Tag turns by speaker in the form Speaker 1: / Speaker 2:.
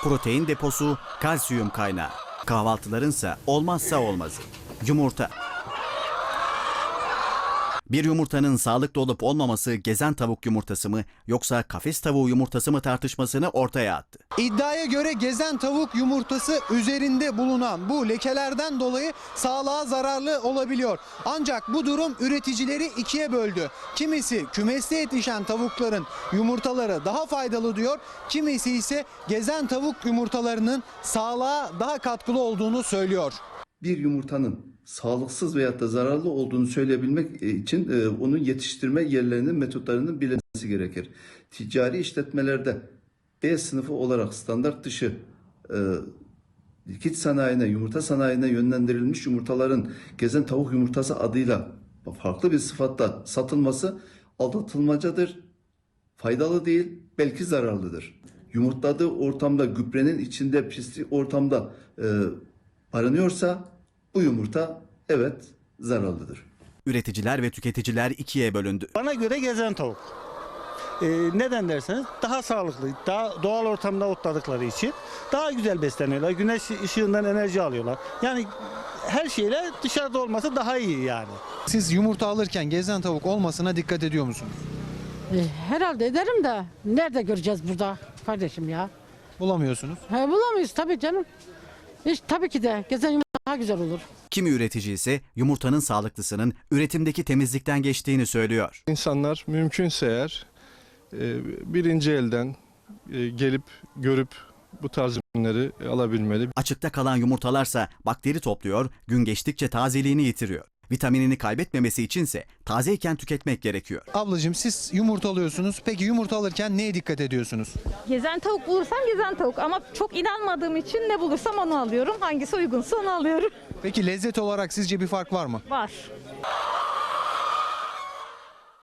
Speaker 1: Protein deposu, kalsiyum kaynağı. Kahvaltılarınsa olmazsa olmazı. Yumurta. Bir yumurtanın sağlıklı olup olmaması gezen tavuk yumurtası mı yoksa kafes tavuğu yumurtası mı tartışmasını ortaya attı.
Speaker 2: İddiaya göre gezen tavuk yumurtası üzerinde bulunan bu lekelerden dolayı sağlığa zararlı olabiliyor. Ancak bu durum üreticileri ikiye böldü. Kimisi kümeste yetişen tavukların yumurtaları daha faydalı diyor. Kimisi ise gezen tavuk yumurtalarının sağlığa daha katkılı olduğunu söylüyor.
Speaker 3: Bir yumurtanın sağlıksız veyahut da zararlı olduğunu söyleyebilmek için onun yetiştirme yerlerinin, metotlarının bilinmesi gerekir. Ticari işletmelerde B sınıfı olarak standart dışı likit sanayine, yumurta sanayine yönlendirilmiş yumurtaların gezen tavuk yumurtası adıyla farklı bir sıfatla satılması aldatılmacadır. Faydalı değil, belki zararlıdır. Yumurtladığı ortamda, gübrenin içinde, pislik ortamda aranıyorsa bu yumurta evet zararlıdır.
Speaker 1: Üreticiler ve tüketiciler ikiye bölündü.
Speaker 4: Bana göre gezen tavuk. Neden derseniz daha sağlıklı, daha doğal ortamda otladıkları için daha güzel besleniyorlar. Güneş ışığından enerji alıyorlar. Yani her şeyle dışarıda olması daha iyi yani.
Speaker 2: Siz yumurta alırken gezen tavuk olmasına dikkat ediyor musunuz?
Speaker 5: Herhalde ederim de nerede göreceğiz burada kardeşim ya?
Speaker 2: Bulamıyorsunuz.
Speaker 5: Bulamayız tabii canım. Tabii ki de gezen yumurta daha güzel olur.
Speaker 1: Kimi üretici ise yumurtanın sağlıklısının üretimdeki temizlikten geçtiğini söylüyor.
Speaker 6: İnsanlar mümkünse eğer birinci elden gelip görüp bu tarz ürünleri alabilmeli.
Speaker 1: Açıkta kalan yumurtalarsa bakteri topluyor, gün geçtikçe tazeliğini yitiriyor. Vitaminini kaybetmemesi içinse tazeyken tüketmek gerekiyor.
Speaker 2: Ablacığım siz yumurta alıyorsunuz. Peki yumurta alırken neye dikkat ediyorsunuz?
Speaker 7: Gezen tavuk bulursam gezen tavuk ama çok inanmadığım için ne bulursam onu alıyorum. Hangisi uygunsa onu alıyorum.
Speaker 2: Peki lezzet olarak sizce bir fark var mı?
Speaker 7: Var.